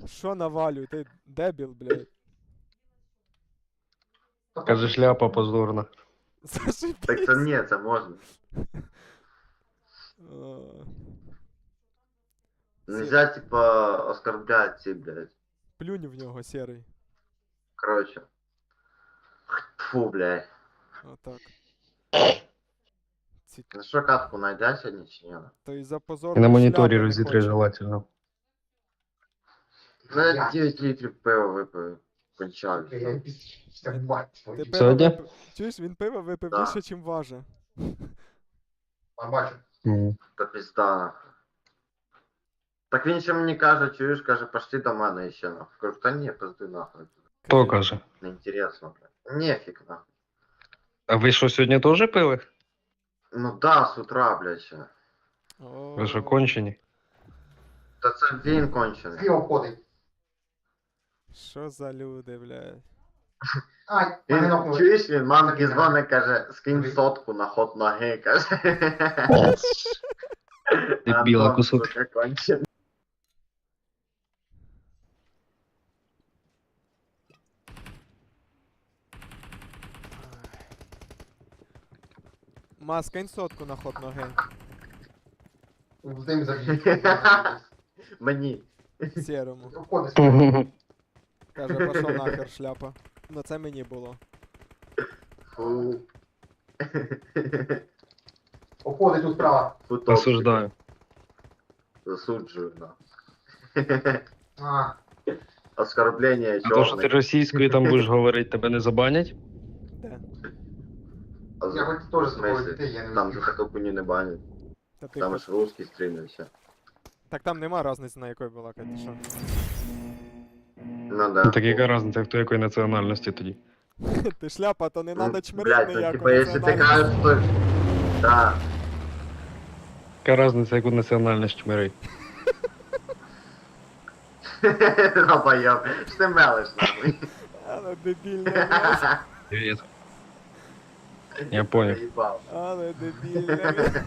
Що навалюй? Ти дебіл, блядь. Каже, шляпа позорна. Так це Зашибись. ні, це можна. А, Нельзя, типа, оскорблять ці, блядь. Плюнь в нього, серий. Короче. Фу, блядь. Отак. Ну що, катку найдеш сьогодні чи ні? То і за І позорну на моніторі шляпу не розітри хоче. желательно. Ну, я 9 літрів пива випив. Кончав. Ти Сьогодні? пиво випив... Чуєш, він пиво випив Да. більше, чим важить. Та пізда, нахуй. Так він ще мені каже, чуєш, каже, пошли до мене ще, нахуй. Кажу, та ні, пизди нахуй. Хто каже? Неінтересно, блядь. Нефіг, нахуй. А ви що, сьогодні теж пили? Ну да, з утра, блядь, ще. Ви що, О, кончені? Та це він кончений. Що за люди, блядь. Він, чуєш, він мамки дзвонить, каже, скинь сотку на ход ноги, каже. Дебіла Антон, кусок. сука, кончений. Маска, сотку на ход ноги. Мені. Сірому. Каже, пошов нахер шляпа. Ну це мені було. Фу. Уходить тут справа. Фу, топчик. Осуждаю. Засуджую, на. А, Оскорблення А то, що ти чорних. російською там будеш говорити, тебе не забанять? Де? я хоч теж з тобою дітей, я не Там за встиг. таку хуйню не банять. Та ти Там хоч... ж русський стрімився. Так там нема різниці, на якої була, ти що? Ну да. Ну, так яка різниця, хто якої національності тоді? Ти шляпа, то не надо Ну, чмирити блядь, ну ніяку типа, якщо ти національність. кажеш, що... Да. Яка різниця, яку національність чмирить? Долбоёб. Що ти мелиш, нахуй? Але дебільне, блядь. Привіт. Я понял. Заїбав. Але дебільне, блядь.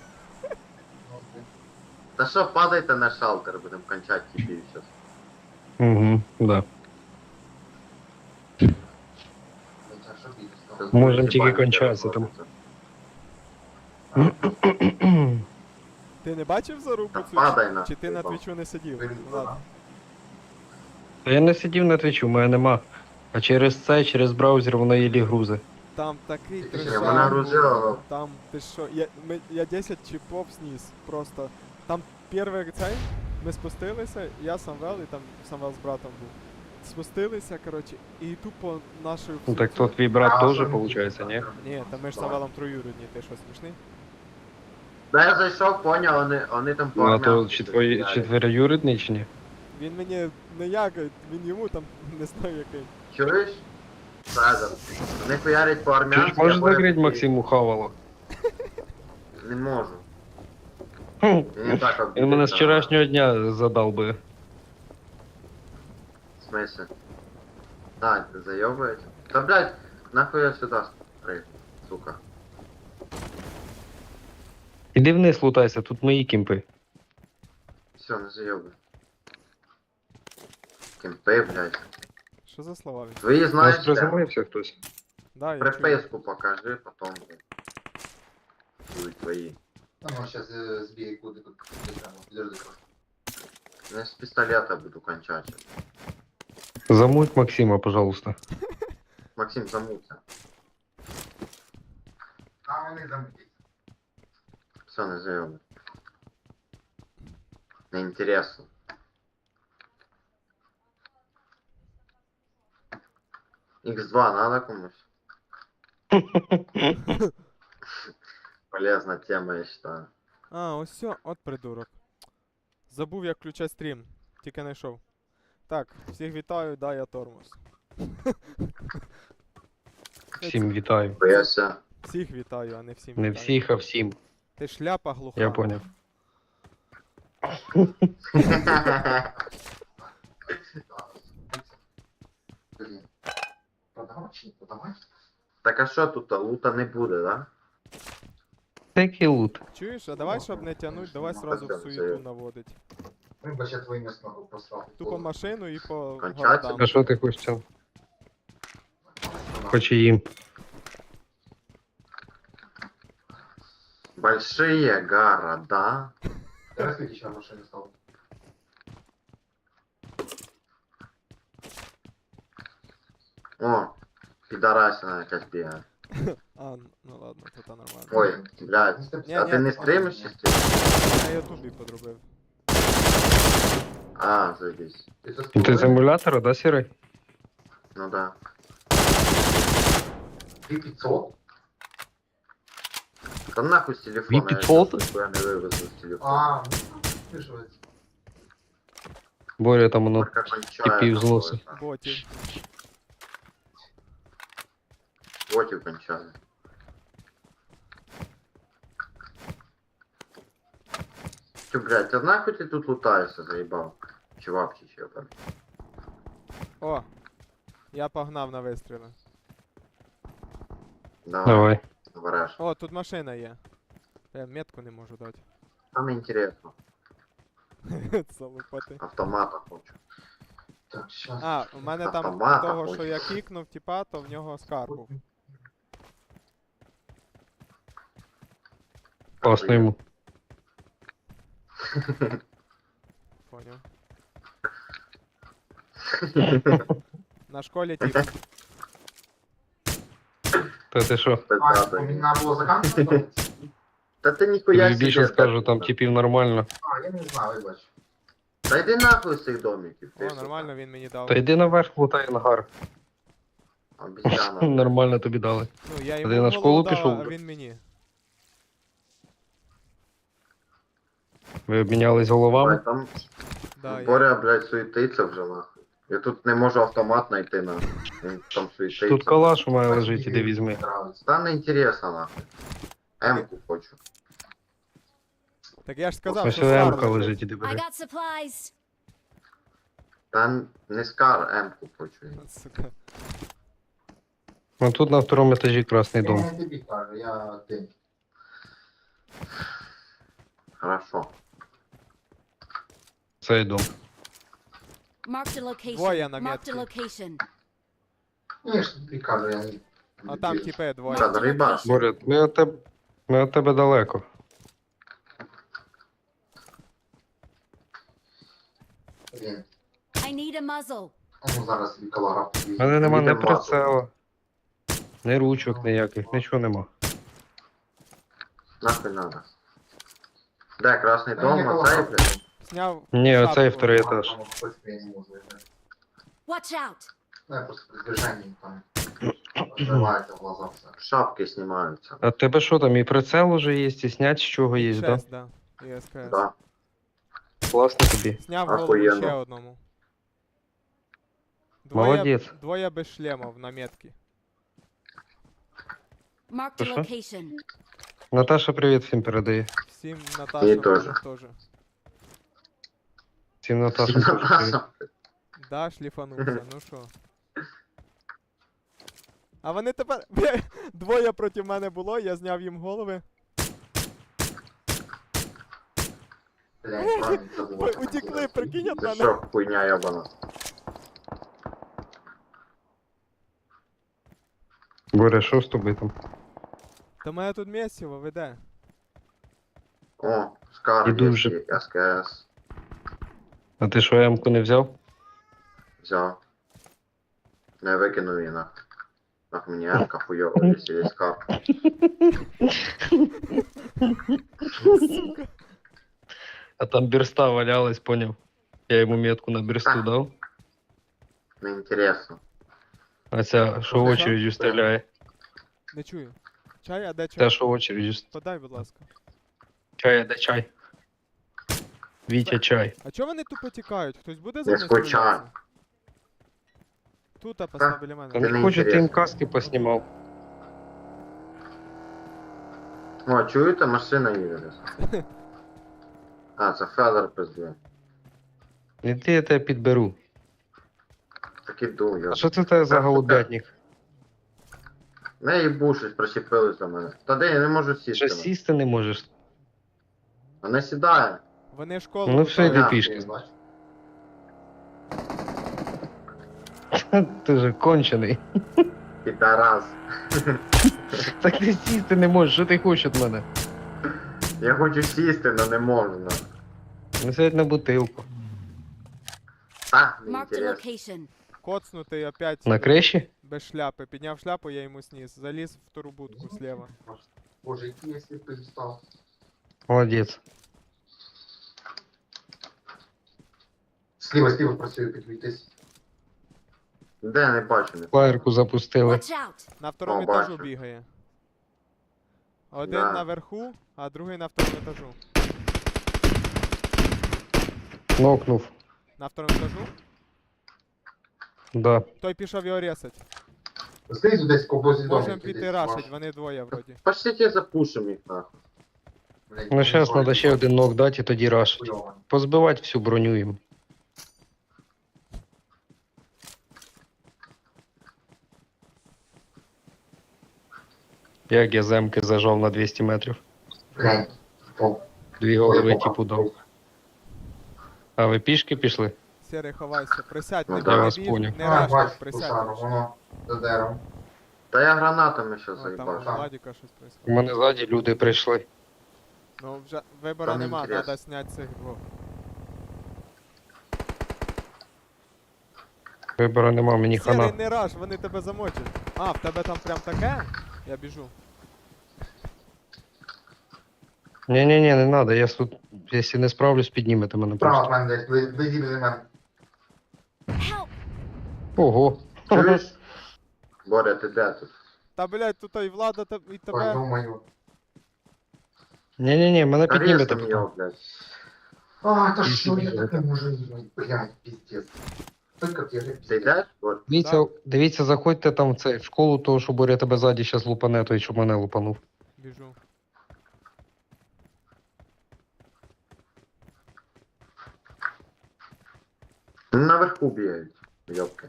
Та що, падайте на шалтер, будемо кончати типів зараз. Угу, да. Можем тільки кончатися там. Ти не бачив зарубу Та цю? падай на. Чи ти на твічу не сидів? Ну, ладно. Та я не сидів на твічу, у мене нема. А через це, через браузер воно їлі грузи. Там такий Ні, трешак вона був. грузила. Там, ти що, я 10 чіпов сніс, просто. Там перший цей, ми спустилися, я Самвел і там Самвел з братом був. Спустилися, коротше, і тупо нашою... Ну так то твій брат теж, виходить, ні? Ні, та ми ж з Самвелом троюрідні, ти що, смішний? Да я зайшов, поняв, вони там Ну а то поармянки чи твої сидять. четвероюрідний чи ні? Він мені не якає, він йому там не знаю який. Чуєш? Фразер. Вони хуярять Чи по-армянськи. ж можеш а потім закрити такі, Максиму Хавало? Не можу. Хм, Він не так Він мене обідеться. з вчорашнього дня задав би. В смысле? Да, ты заебываете? Да, блядь, нахуй я сюда спрыг, сука. Іди вниз лутайся, тут мої кімпи. Все, не заебывай. Кемпы, блядь. Що за слова він? Твои Нас знаешь, да? приземлився хтось. Да, я чую. Приписку покажи, потом, блядь. Будут твои. Ну, сейчас сбей куди тут. Подожди. Ну, я с пистолета буду кончать. Замуть Максима, пожалуйста. Максим, замуться. А вони замутять. Все, не заебывай. Неинтересно. Х2 надо комусь? Полезная тема, я считаю. А, ось все, от придурок. Забув, як включати стрім. Тільки знайшов. Так, всіх вітаю, да, я тормоз. Всім вітаю. Боялся. Всіх вітаю, а не всім Не вітаю. всіх, а всім. Ти шляпа глуха. Я поняв. Блін. Продавай чи не продавай? Так а що тут, лута не буде, да? Такий лут. Чуєш, а давай, щоб не тянуть, давай сразу в суєту наводить. Ну, бо ще твої місця просрав. Тупо машину і по Кончаться? городам. А що ти хочеш там? Хоч і їм. Большие города. Зараз скільки ще машини стало? О, пидорасина якась бігає. А, ну ладно, то та нормально. Ой, блядь. Ні, А ні, ти не ти- стримиш чи стрімиш? На ютубі подробив. А, заебись. Ти з емулятора, да, Сірий? Ну да. 2500? Да нахуй с телефона. Випи Я фото? щас нихуя не вывезу с телефона. А, ну, пишуть. Боря там воно. Только кончаю. типів з носа. Ботів. Ботів кончаю. Че, блядь, ты нахуй ты тут лутаешься, заебал? Чувак, чи там. О! Я погнав на вистріли. Давай, Давай. вараж. О, тут машина є. Я метку не можу дати. Там интересно. Залупати. Автомата хочу. Так, щас. А, у мене там Автомата того, хочу. що я кікнув, типа, то в нього скар був. Класно йому. Поняв. На школі тип. Та ти що? А, Пиздата. мені треба було заканчувати? Да ты нихуя Тобі більше скажу, там типів нормально. А, я не знаю, вибач. Да иди нахуй с их домиков. О, нормально він мені дав. Та йди наверх, лутай ангар. Обезьяна. Нормально тобі дали. Ну, я ти йому на голову школу дав, пішов? а він мені. Ви обмінялись головами? Блядь, там Да, я... Боря, блядь, суетиться вже нахуй. Я тут не можу автомат знайти нахуй. Він там суетиться. Тут калаш у мене лежить, іди візьми. Нравиться. Та не інтересно нахуй. М-ку хочу. Так я ж сказав, Ось що скар М-ка лежить. лежить, іди I бери. got supplies. Та не скар, М-ку хочу. Сука. Ну тут на второму етажі красний Я дом. не тобі кажу, я ти. Хорошо. Цей дом. Marked a location. Двоє на Marked a метці. location. Ну, я ж тобі кажу, я не... А там типи двоє. Та, риба. Боря, ми від тебе далеко. Блін. I need a muzzle. Ну, зараз тобі калара У мене нема ні Їдемо прицела, ні ручок ніяких, нічого нема. Нахуй надо. Де, красний Та дом, ні, оцей, коло- блядь. Сняв. Ні, шапку. оцей вторий етаж. Там, хоч я не можу. Watch out. Ну, я просто при движенні там відкривається в глаза все. Шапки знімаються. А в тебе що там, і прицел уже є, і снять з чого є, да? 6, да. І СКС. Да. Класно тобі. Сняв голову Охуєнно. ще одному. Молодець. Двоє без шлемов на метки. Marked Що, a що? location. Наташа привіт всім передає. Всім Мені Наташа теж. теж. Всім Наташа теж привіт. Наташа. Да, шліфанувся, ну що. А вони тепер. Бля, двоє проти мене було, я зняв їм голови. Блядь, правильно забув. Ой, утекли, прикинь, от Це мене. що, хуйня ябана? Боря, що з тобою там? Та мене тут місіво веде. О, скар Іду є, вже. і СКС. А ти що, М-ку не взяв? Взяв. Не викинув її нахуй. Нахуй мені М-ка хуйова, якщо є скар. А там бірста валялась, поняв. Я йому метку на бірсту дав. Не інтересно. А ця, що очередю стріляє. Не чую. Чай, а де чай? Та, що очередю Подай, будь ласка. чай, а де чай? Вітя чай. А чого вони тупо тікають? Хтось буде за Не мною скучай. стрілятися? Тут постав біля Та мене. Це не не хочу, ти їм інтересно. каски поснімав. О, чуєте, машина їде десь. А, це Федор пиздує. Іди, я тебе підберу. Так іду, я. А що це в тебе за голубятник? Не їбу, щось прищепились до мене. Та де я не можу сісти. Що сісти не можеш? Вона сідає. Вони школу Ну все, лутають. йди Да. пішки. Я бачу. Ти же кончений. Підарас. Так ти сісти не можеш, що ти хочеш від мене? Я хочу сісти, но не можна. Ну сядь на бутилку. Та, не Marked a інтересно. location. Коцнутий опять На криші? без шляпи. Підняв шляпу, я йому сніс. Заліз в ту будку слева. Боже, який я сліпий став. Молодець. Сліва працює, підвійтесь. Де не бачу, не Флаєрку запустили. Watch out! На второму О, етажу бачу. бігає. Один Да. наверху, а другий на второму етажу. Нокнув. На второму етажу. Да. Той пішов його ресать. Знизу десь кобозі дому. Можем піти рашить, вони двоє вроді. Пошліть запушим їх нахуй. Ну зараз треба ще один нок дати і тоді раш. Позбивати всю броню їм. Як я земки зажав на 200 метрів. Глянь. О, Дві голови типу дав. А ви пішки пішли? Сірий, ховайся, присядь, Ну не да, я вас біг, поняв. не а, рашить, бачу, присядь. кушару, воно за деревом. Та я гранатами щас О, там у заїбашу. Так. Владіка щось У происходит. мене ззаді люди прийшли. Ну вже вибору Там нема, інтересно. треба зняти цих двох. Вибору нема, мені Сірий, хана. не раш, вони тебе замочать. А, в тебе там прям таке? Я біжу. Ні-ні-ні, не треба, я тут, якщо не справлюсь, піднімете мене Справа просто. в мене десь, близі біля мене. Help! Ого. Чуєш? Боря, ти де тут? Та блять, тут і влада і Ой, тебе. думаю. Ні-ні-ні, мене Та піднімете. різко його, блядь. А, та Іди що сюди, я Жека. таке можу їхати? Блядь, пиздец. Только ти Ти же йдеш, Боря? Дивіться, дивіться, заходьте там в цей, в школу, того, що Боря тебе ззаді зараз лупане, той, щоб мене лупанув. Біжу. Наверху бігають. Йопки.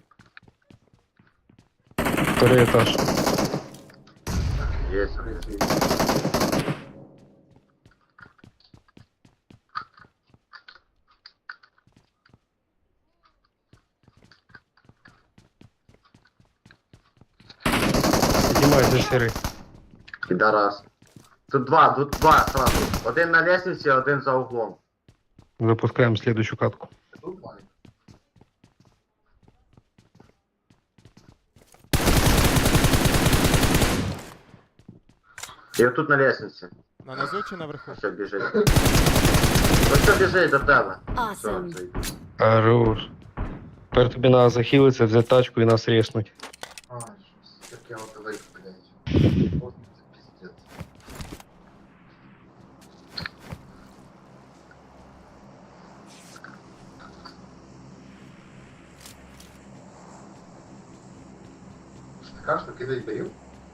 Второй етаж. Є. Піднімайте сірий. Підарас. Тут два сразу. Один на лестниці, один за углом. Запускаємо слідущу катку. тут маленький. І отут на лестниці. На низу чи наверху? Ось біжить. Ось біжить до тебе. Все, Awesome. заїбись. Хорош. Тепер тобі треба захилитися, взяти тачку і нас резнуть. А, щось таке от велике, блядь. От це пиздец. Така що кидай берів?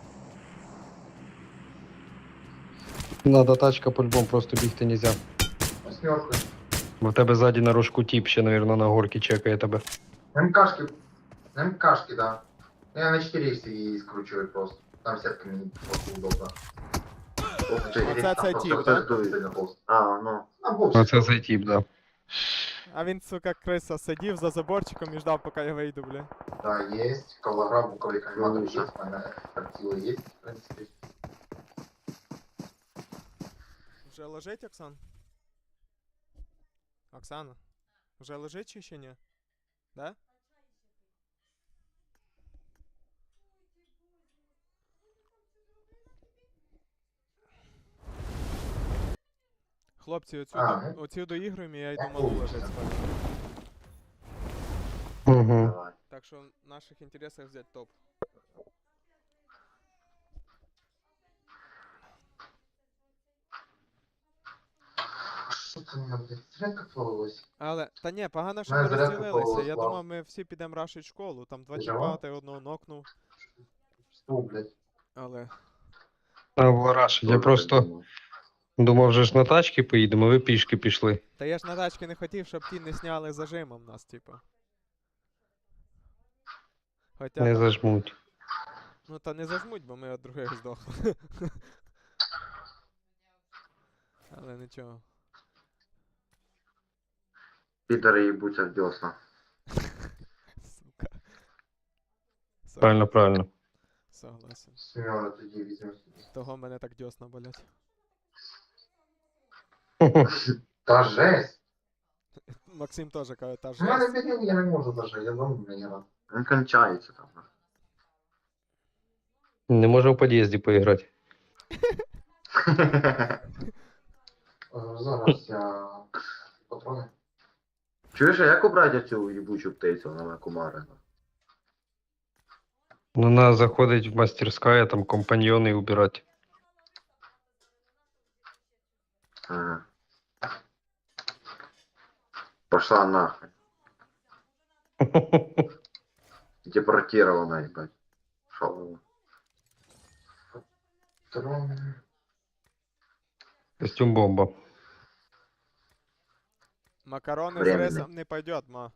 Надо тачка по-любому, просто бігти нельзя. Восьмерку. Бо в тебе ззаді на рожку тіп ще, навірно, на горці чекає тебе. МКшки. МКшки, да. Я на 4 її скручую просто. Там сетка мені просто удобно. Ух ти. Оце цей тіп, Оце так? дує. А, ну. На боксі. Оце цей тіп, да. А він, сука, криса, сидів за заборчиком і ждав, поки я вийду, бля. Да, есть. Колора, буковый кальматор Ну, есть. У меня тактила есть, в принципе. Вже лежить, Оксан? Оксана? Вже лежить чи ще ні? Да? Хлопці, оцю доігруємо, і я йду малу лежить спати. Угу. Давай. Так що в наших інтересах взяти топ. Что ты у меня, блядь, зарядка плавалась? Але, та ні, погано, що Мене ми зарядка розділилися. Я повезла. думав, ми всі підемо рашить школу. Там два Ти чіпа, жива? ти одного нокнув. Что, блядь? Але. А, Вараш, я просто думав, вже ж на тачки поїдемо, ви пішки пішли. Та я ж на тачки не хотів, щоб ті не сняли зажимом нас, типа. Хоча, Не зажмуть. ну та не зажмуть, бо ми від других здохли. Але нічого. Підери їбуться в десна. Сука. Правильно, правильно. Согласен. Семёна тоді візьмемо. Того мене так дьосна болять. Та жесть. Максим теж каже, та У мене жесть. підняв, я не можу даже, я вам не рад. Він кончається там. Не можу в під'їзді поіграти. Зараз я патрони. Чуєш, а як убрати цю їбучу птицю на кумари? Ну, надо заходить в мастерская, там компаньоны убирать. Ага. Пошла нахуй. Депортирована, ебать. Шо? Патрони. Костюм бомба. Макарони з Временно. рисом не пойдет, ма.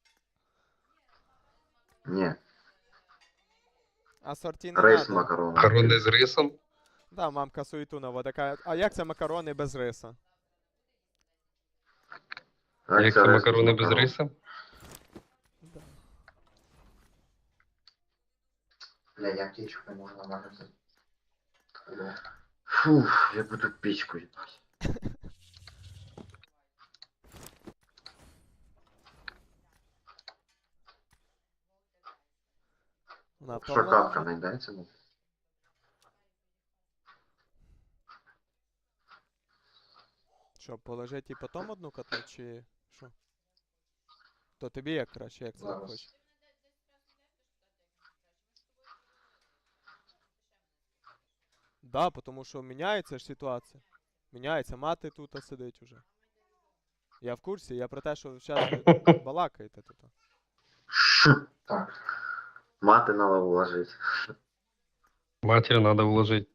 Не, Ассорті не рейс надо. макарон. Макарони з рисом. Да, мамка суету наводить. Каже, а як це макарони без риса? Як це макарони без риса? Да. Бля, я аптечку не можу нормально взяти. Алло. Фух, я буду печку ебать. Вона Що втомлена капка вже? знайдеться? Що, положити і потім одну котлу, чи що? То тобі як краще, як це Зараз. хочеш? Да, тому що міняється ж ситуація. Міняється, мати тут сидить уже. Я в курсі, я про те, що зараз ви балакаєте тут. Так. Мати надо вложити. Матір надо вложить.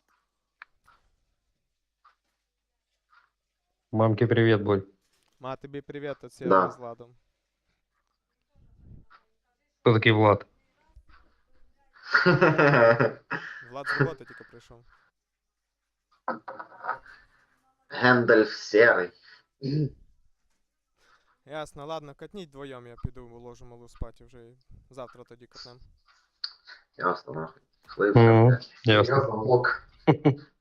Мамке привет, Боль. Ма, тобі привіт від Да. Сереги з Владом. Хто такий Влад? Влад з роботи тільки прийшов. Гендальф серий. Ясно, ладно, катніть вдвоєм, я піду вложу малу спати вже і завтра тоді катнем. Ясно, нахуй. Слив, Мгм. блядь. Ясно. Я звонок.